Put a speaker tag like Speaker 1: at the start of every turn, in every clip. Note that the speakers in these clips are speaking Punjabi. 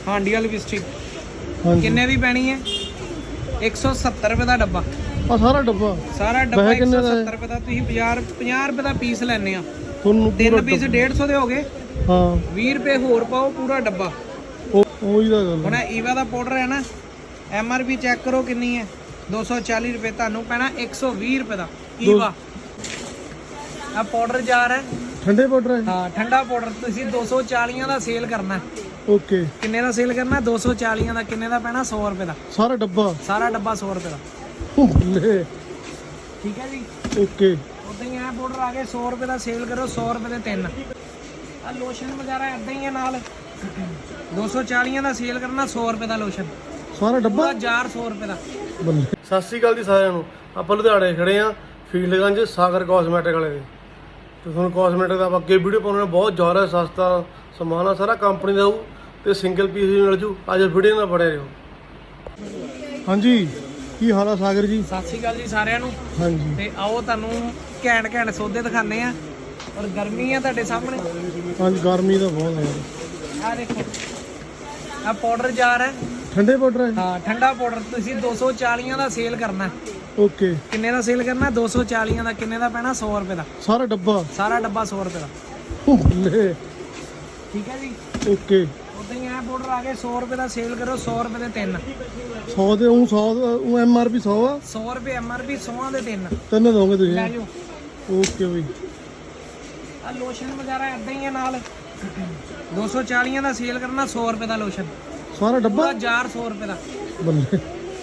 Speaker 1: ਹਾਂਡੀ ਵਾਲੀ ਲਿਪਸਟਿਕ
Speaker 2: ਹਾਂਜੀ
Speaker 1: ਕਿੰਨੇ ਦੀ ਪੈਣੀ ਹੈ 170 ਰੁਪਏ ਦਾ ਡੱਬਾ।
Speaker 2: ਆ ਸਾਰਾ ਡੱਬਾ
Speaker 1: ਸਾਰਾ ਡੱਬਾ
Speaker 2: ਵੈਸੇ ਕਿੰਨੇ ਦਾ
Speaker 1: 170 ਰੁਪਏ ਦਾ। ਤੁਸੀਂ 50 ਰੁਪਏ ਦਾ ਪੀਸ ਲੈਣੇ ਆ।
Speaker 2: ਤੁਹਾਨੂੰ
Speaker 1: ਤਿੰਨ ਪੀਸ 150 ਦੇ ਹੋ ਗਏ।
Speaker 2: ਹਾਂ
Speaker 1: 20 ਰੁਪਏ ਹੋਰ ਪਾਓ ਪੂਰਾ ਡੱਬਾ।
Speaker 2: ਉਹੀ ਦਾ ਗੱਲ
Speaker 1: ਹੁਣ ਈਵਾ ਦਾ ਪਾਊਡਰ ਹੈ ਨਾ, MRP ਚੈੱਕ ਕਰੋ ਕਿੰਨੀ ਹੈ 240 ਰੁਪਏ। ਤੁਹਾਨੂੰ ਪੈਣਾ 120 ਰੁਪਏ ਦਾ ਈਵਾ। ਆ ਪਾਊਡਰ ਜਾਰ ਹੈ,
Speaker 2: ਠੰਡੇ ਪਾਊਡਰ ਹੈ।
Speaker 1: ਹਾਂ ਠੰਡਾ ਪਾਊਡਰ। ਤੁਸੀਂ 240 ਦਾ ਸੇਲ ਕਰਨਾ।
Speaker 2: ਓਕੇ
Speaker 1: ਕਿੰਨੇ ਦਾ ਸੇਲ ਕਰਨਾ 240 ਦਾ। ਕਿੰਨੇ ਦਾ ਪੈਣਾ 100 ਰੁਪਏ ਦਾ
Speaker 2: ਸਾਰਾ ਡੱਬਾ।
Speaker 1: ਸਾਰਾ ਡੱਬਾ 100 ਰੁਪਏ ਦਾ।
Speaker 2: ਬੱਲੇ
Speaker 1: ਠੀਕ ਹੈ ਜੀ।
Speaker 2: ਓਕੇ
Speaker 1: ਉਦਾਂ ਹੀ ਇਹ ਪਾਊਡਰ ਆ ਗਏ 100 ਰੁਪਏ ਦਾ ਸੇਲ ਕਰੋ 100 ਰੁਪਏ ਦੇ 3। ਆ ਲੋਸ਼ਨ ਵਗੈਰਾ ਇਦਾਂ ਹੀ ਹੈ ਨਾਲ 240 ਦਾ ਸੇਲ ਕਰਨਾ 100 ਰੁਪਏ ਦਾ ਲੋਸ਼ਨ।
Speaker 2: ਸਾਰਾ ਡੱਬਾ
Speaker 1: ਪੂਰਾ ਜਾਰ 100 ਰੁਪਏ ਦਾ।
Speaker 2: ਬੱਲੇ। ਸਤਿ ਸ਼੍ਰੀ ਅਕਾਲ ਜੀ ਸਾਰਿਆਂ ਨੂੰ। ਆਪਾਂ ਲੁਧਿਆਣੇ ਖੜੇ ਆ ਫੀਲਡਗੰਜ ਸਾਗਰ ਕਾਸਮੈਟਿਕ ਵਾਲੇ ਦੇ। ਤੇ ਤੁਹਾਨੂੰ ਕਾਸਮੈਟਿਕ ਦਾ ਆਪਾਂ ਅੱਗੇ ਵੀਡੀਓ ਪਾਉਣਾ। ਬਹੁਤ ਜ਼ਿਆਦਾ ਸਸਤਾ ਸਮਾਨ ਆ, ਸਾਰਾ ਕੰਪਨੀ ਦਾ ਹੋਊ ਤੇ ਸਿੰਗਲ ਪੀਸ ਵੀ ਮਿਲ ਜੂ। ਅੱਜ ਵੀਡੀਓ ਨਾਲ ਬਣੇ ਰਹੋ। ਹਾਂਜੀ ਕੀ ਹਾਲ ਆ ਸਾਗਰ ਜੀ?
Speaker 1: ਸਤਿ ਸ਼੍ਰੀ ਅਕਾਲ ਜੀ ਸਾਰਿਆਂ ਨੂੰ।
Speaker 2: ਹਾਂਜੀ
Speaker 1: ਤੇ ਆਓ ਤੁਹਾਨੂੰ ਘੈਂਟ ਸੌਦੇ ਦਿਖਾਣੇ ਆ। ਔਰ ਗਰਮੀ ਆ ਤੁਹਾਡੇ ਸਾਹਮਣੇ।
Speaker 2: ਹਾਂਜੀ ਗਰਮੀ ਤਾਂ ਬਹੁਤ ਹੈ।
Speaker 1: ਆ ਦੇਖੋ ਆ ਪਾਊਡਰ ਜਾਰ ਹੈ,
Speaker 2: ਠੰਡੇ ਪਾਊਡਰ ਹੈ।
Speaker 1: ਹਾਂ ਠੰਡਾ ਪਾਊਡਰ। ਤੁਸੀਂ 240 ਦਾ ਸੇਲ ਕਰਨਾ।
Speaker 2: ਓਕੇ
Speaker 1: ਕਿੰਨੇ ਦਾ ਸੇਲ ਕਰਨਾ 240 ਦਾ। ਕਿੰਨੇ ਦਾ ਪੈਣਾ 100 ਰੁਪਏ ਦਾ
Speaker 2: ਸਾਰਾ ਡੱਬਾ।
Speaker 1: ਸਾਰਾ ਡੱਬਾ 100 ਰੁਪਏ ਦਾ।
Speaker 2: ਬੱਲੇ
Speaker 1: ਠੀਕ ਹੈ ਜੀ।
Speaker 2: ਓਕੇ
Speaker 1: ਉਦਾਂ ਹੀ ਇਹ ਪਾਊਡਰ ਆ ਗਏ 100 ਰੁਪਏ ਦਾ ਸੇਲ ਕਰੋ 100 ਰੁਪਏ ਦੇ 3।
Speaker 2: 100 ਦੇ ਉਹ 100 ਉਹ MRP 100 ਆ।
Speaker 1: 100 ਰੁਪਏ MRP 100 ਦੇ 3
Speaker 2: ਤਿੰਨ ਦੋਗੇ ਤੁਸੀਂ?
Speaker 1: ਲੈ ਜਾਓ।
Speaker 2: ਓਕੇ ਬਈ।
Speaker 1: ਆ ਲੋਸ਼ਨ ਵਗੈਰਾ ਇਦਾਂ ਹੀ ਹੈ ਨਾਲ 240 ਦਾ ਸੇਲ ਕਰਨਾ 100 ਰੁਪਏ ਦਾ ਲੋਸ਼ਨ।
Speaker 2: ਸਾਰਾ ਡੱਬਾ
Speaker 1: ਪੂਰਾ ਜਾਰ 100 ਰੁਪਏ ਦਾ।
Speaker 2: ਬੱਲੇ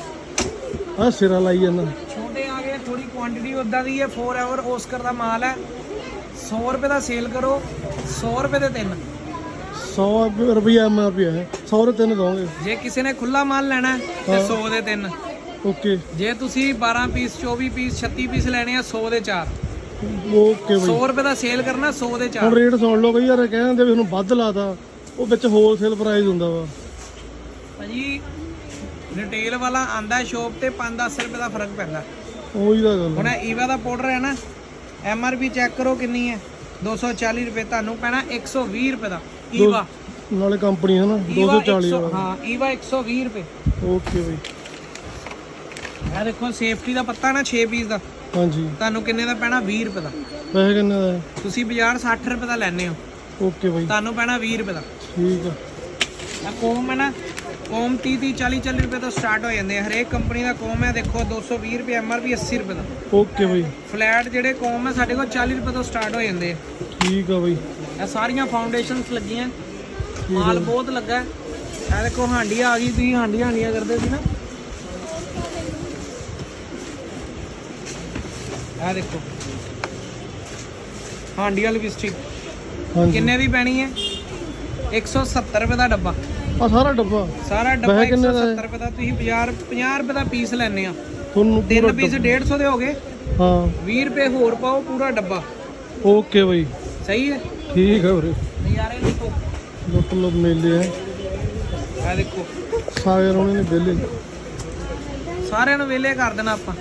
Speaker 2: ਆ ਸਿਰਾ ਲਾਈ ਜਾਂਦਾ।
Speaker 1: ਛੋਟੇ ਆ ਗਏ ਥੋੜੀ ਕੁਆਂਟੀਟੀ ਉਦਾਂ ਦੀ ਹੈ। ਫੋਰਐਵਰ ਓਸਕਰ ਦਾ ਮਾਲ ਹੈ 100 ਰੁਪਏ ਦਾ ਸੇਲ ਕਰੋ 100 ਰੁਪਏ ਦੇ 3।
Speaker 2: 100 ਰੁਪਿਆ MRP ਹੈ। 100 ਦੇ ਤਿੰਨ ਦੋਗੇ।
Speaker 1: ਜੇ ਕਿਸੇ ਨੇ ਖੁੱਲਾ ਮਾਲ ਲੈਣਾ ਤੇ 100 ਦੇ 3।
Speaker 2: ਓਕੇ
Speaker 1: ਜੇ ਤੁਸੀਂ 12 ਪੀਸ 24 ਪੀਸ 36 ਪੀਸ ਲੈਣੇ ਆ 100 ਦੇ 4।
Speaker 2: ਓਕੇ ਬਈ।
Speaker 1: 100 ਰੁਪਏ ਦਾ ਸੇਲ ਕਰਨਾ 100 ਦੇ 4।
Speaker 2: ਹੁਣ ਰੇਟ ਸੁਣ ਲਓ ਕਈ ਯਾਰ ਕਹਿੰਦੇ ਵੀ ਉਹਨੂੰ ਵੱਧ ਲਾਤਾ। ਉਹ ਵਿੱਚ ਹੋਲਸੇਲ ਪ੍ਰਾਈਸ ਹੁੰਦਾ ਵਾ
Speaker 1: ਭਾਜੀ। ਰਿਟੇਲ ਵਾਲਾ ਆਂਦਾ ਸ਼ੋਪ ਤੇ 5-10 ਰੁਪਏ ਦਾ ਫਰਕ ਪੈਂਦਾ।
Speaker 2: ਉਹੀ ਦਾ ਗੱਲ
Speaker 1: ਹੁਣ ਈਵਾ ਦਾ ਪਾਊਡਰ ਹੈ ਨਾ, MRP ਚੈੱਕ ਕਰੋ ਕਿੰਨੀ ਹੈ 240 ਰੁਪਏ। ਤੁਹਾਨੂੰ ਪੈਣਾ 120 ਰੁਪਏ ਦਾ ਈਵਾ।
Speaker 2: ਨਾਲੇ ਕੰਪਨੀ ਹੈ ਨਾ 240 ਵਾਲਾ।
Speaker 1: ਹਾਂ ਈਵਾ 120 ਰੁਪਏ।
Speaker 2: ਓਕੇ ਬਈ।
Speaker 1: ਇਹ ਦੇਖੋ ਸੇਫਟੀ ਦਾ ਪੱਤਾ ਨਾ 6 ਪੀਸ ਦਾ।
Speaker 2: ਹਾਂਜੀ
Speaker 1: ਤੁਹਾਨੂੰ ਕਿੰਨੇ ਦਾ ਪੈਣਾ 20 ਰੁਪਏ ਦਾ।
Speaker 2: ਪੈਸੇ ਕਿੰਨੇ ਦਾ ਹੈ?
Speaker 1: ਤੁਸੀਂ ਬਾਜ਼ਾਰ 60 ਰੁਪਏ ਦਾ ਲੈਣੇ ਹੋ।
Speaker 2: ਓਕੇ ਬਈ
Speaker 1: ਤੁਹਾਨੂੰ ਪੈਣਾ 20 ਰੁਪਏ ਦਾ।
Speaker 2: ਠੀਕ ਆ।
Speaker 1: ਆ ਕੋਮ ਹੈ ਨਾ, ਕੋਮ 30 40 ਰੁਪਏ ਤੋਂ ਸਟਾਰਟ ਹੋ ਜਾਂਦੇ ਆ। ਹਰੇਕ ਕੰਪਨੀ ਦਾ ਕੋਮ ਹੈ ਦੇਖੋ 220 ਰੁਪਏ MRP 80 ਰੁਪਏ ਦਾ।
Speaker 2: ਓਕੇ ਬਈ
Speaker 1: ਫਲੈਟ ਜਿਹੜੇ ਕੋਮ ਹੈ ਸਾਡੇ ਕੋਲ 40 ਰੁਪਏ ਤੋਂ ਸਟਾਰਟ ਹੋ ਜਾਂਦੇ ਆ।
Speaker 2: ਠੀਕ ਆ ਬਈ।
Speaker 1: ਇਹ ਸਾਰੀਆਂ ਫਾਊਂਡੇਸ਼ਨਸ ਲੱਗੀਆਂ। ਮਾਲ ਬਹੁਤ ਲੱਗਾ। ਇਹ ਦੇਖੋ ਹਾਂਡੀ ਆ ਗਈ। ਤੁਸੀਂ ਹਾਂਡੀਆਂ ਕਰਦੇ ਸੀ ਨਾ। ਇਹ ਦੇਖੋ ਹਾਂਡੀ ਵਾਲੀ ਲਿਪਸਟਿਕ
Speaker 2: ਹਾਂਜੀ
Speaker 1: ਕਿੰਨੇ ਦੀ ਪੈਣੀ ਹੈ 170 ਰੁਪਏ ਦਾ ਡੱਬਾ।
Speaker 2: ਆ ਸਾਰਾ ਡੱਬਾ।
Speaker 1: ਸਾਰਾ ਡੱਬਾ
Speaker 2: ਵੈਸੇ ਕਿੰਨੇ ਦਾ ਹੈ?
Speaker 1: 170 ਰੁਪਏ ਦਾ। ਤੁਸੀਂ 50 ਰੁਪਏ ਦਾ ਪੀਸ ਲੈਣੇ ਆ।
Speaker 2: ਤੁਹਾਨੂੰ
Speaker 1: ਤਿੰਨ ਪੀਸ 150 ਦੇ ਹੋ ਗਏ।
Speaker 2: ਹਾਂ
Speaker 1: 20 ਰੁਪਏ ਹੋਰ ਪਾਓ ਪੂਰਾ ਡੱਬਾ।
Speaker 2: ਓਕੇ ਬਈ
Speaker 1: ਸਹੀ ਹੈ।
Speaker 2: ਠੀਕ ਆ ਵੀਰੇ।
Speaker 1: ਨਜ਼ਾਰੇ ਦੇਖੋ।
Speaker 2: ਲੁੱਟ ਲੁੱਟ ਮੇਲੇ ਹੈ।
Speaker 1: ਇਹ ਦੇਖੋ
Speaker 2: ਸਾਗਰ ਉਹਨੇ ਨੇ ਵਿਹਲੇ
Speaker 1: ਸਾਰਿਆਂ ਨੂੰ ਵਿਹਲੇ ਕਰ ਦੇਣਾ ਆਪਾਂ।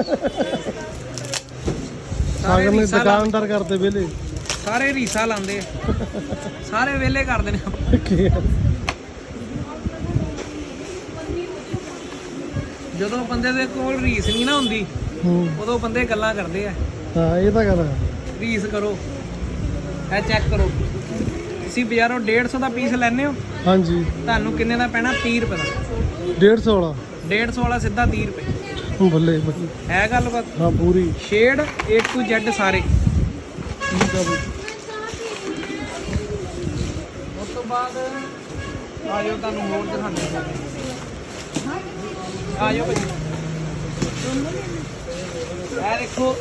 Speaker 2: ਸਾਗਰ ਨੇ
Speaker 1: ਰੀਸਾਂ
Speaker 2: ਦੁਕਾਨਦਾਰ ਕਰਦੇ ਵਿਹਲੇ।
Speaker 1: ਸਾਰੇ ਰੀਸਾ ਲਾਉਂਦੇ ਆ। ਸਾਰੇ ਵਿਹਲੇ ਕਰ ਦੇਣੇ ਆਪਾਂ।
Speaker 2: ਕੀ ਆ?
Speaker 1: ਜਦੋਂ ਬੰਦੇ ਦੇ ਕੋਲ ਰੀਸ ਨਹੀਂ ਨਾ ਹੁੰਦੀ ਉਦੋਂ ਬੰਦੇ ਗੱਲਾਂ ਕਰਦੇ ਆ।
Speaker 2: ਹਾਂ ਇਹ ਤਾਂ ਗੱਲ ਹੈ।
Speaker 1: ਰੀਸ ਕਰੋ। ਇਹ ਚੈੱਕ ਕਰੋ। ਤੁਸੀਂ ਬਾਜ਼ਾਰੋਂ 150 ਦਾ ਪੀਸ ਲੈਣੇ ਹੋ।
Speaker 2: ਹਾਂਜੀ
Speaker 1: ਤੁਹਾਨੂੰ ਕਿੰਨੇ ਦਾ ਪੈਣਾ 30 ਰੁਪਏ ਦਾ।
Speaker 2: 150 ਵਾਲਾ
Speaker 1: 150 ਵਾਲਾ ਸਿੱਧਾ 30 ਰੁਪਏ।
Speaker 2: ਬੱਲੇ ਬੱਲੇ।
Speaker 1: ਹੈ ਗੱਲਬਾਤ।
Speaker 2: ਹਾਂ ਪੂਰੀ।
Speaker 1: ਸ਼ੇਡ A to Z ਸਾਰੇ।
Speaker 2: ਠੀਕ ਆ ਬਈ।
Speaker 1: ਉਸ ਤੋਂ ਬਾਅਦ ਆਜੋ ਤੁਹਾਨੂੰ ਹੋਰ ਦਿਖਾਉਂਦੇ ਹਾਂ। ਆਜੋ ਭਾਜੀ। ਇਹ ਦੇਖੋ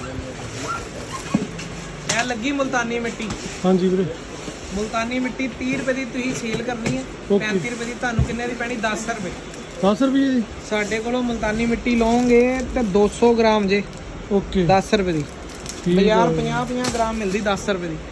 Speaker 1: ਇਹ ਲੱਗੀ ਮੁਲਤਾਨੀ ਮਿੱਟੀ।
Speaker 2: ਹਾਂਜੀ ਵੀਰੇ।
Speaker 1: ਮੁਲਤਾਨੀ ਮਿੱਟੀ 30 ਰੁਪਏ ਦੀ ਤੁਸੀਂ ਸੇਲ ਕਰਨੀ ਹੈ। 35 ਰੁਪਏ ਦੀ। ਤੁਹਾਨੂੰ ਕਿੰਨੇ ਦੀ ਪੈਣੀ 10 ਰੁਪਏ।
Speaker 2: 10 ਰੁਪਏ ਜੀ?
Speaker 1: ਸਾਡੇ ਕੋਲੋਂ ਮੁਲਤਾਨੀ ਮਿੱਟੀ ਲਓਗੇ ਤੇ 200 ਗ੍ਰਾਮ ਜੇ
Speaker 2: ਓਕੇ
Speaker 1: 10 ਰੁਪਏ ਦੀ।
Speaker 2: ਠੀਕ
Speaker 1: ਬਾਜ਼ਾਰ
Speaker 2: ਆ।
Speaker 1: 50 ਗ੍ਰਾਮ ਮਿਲਦੀ 10 ਰੁਪਏ ਦੀ।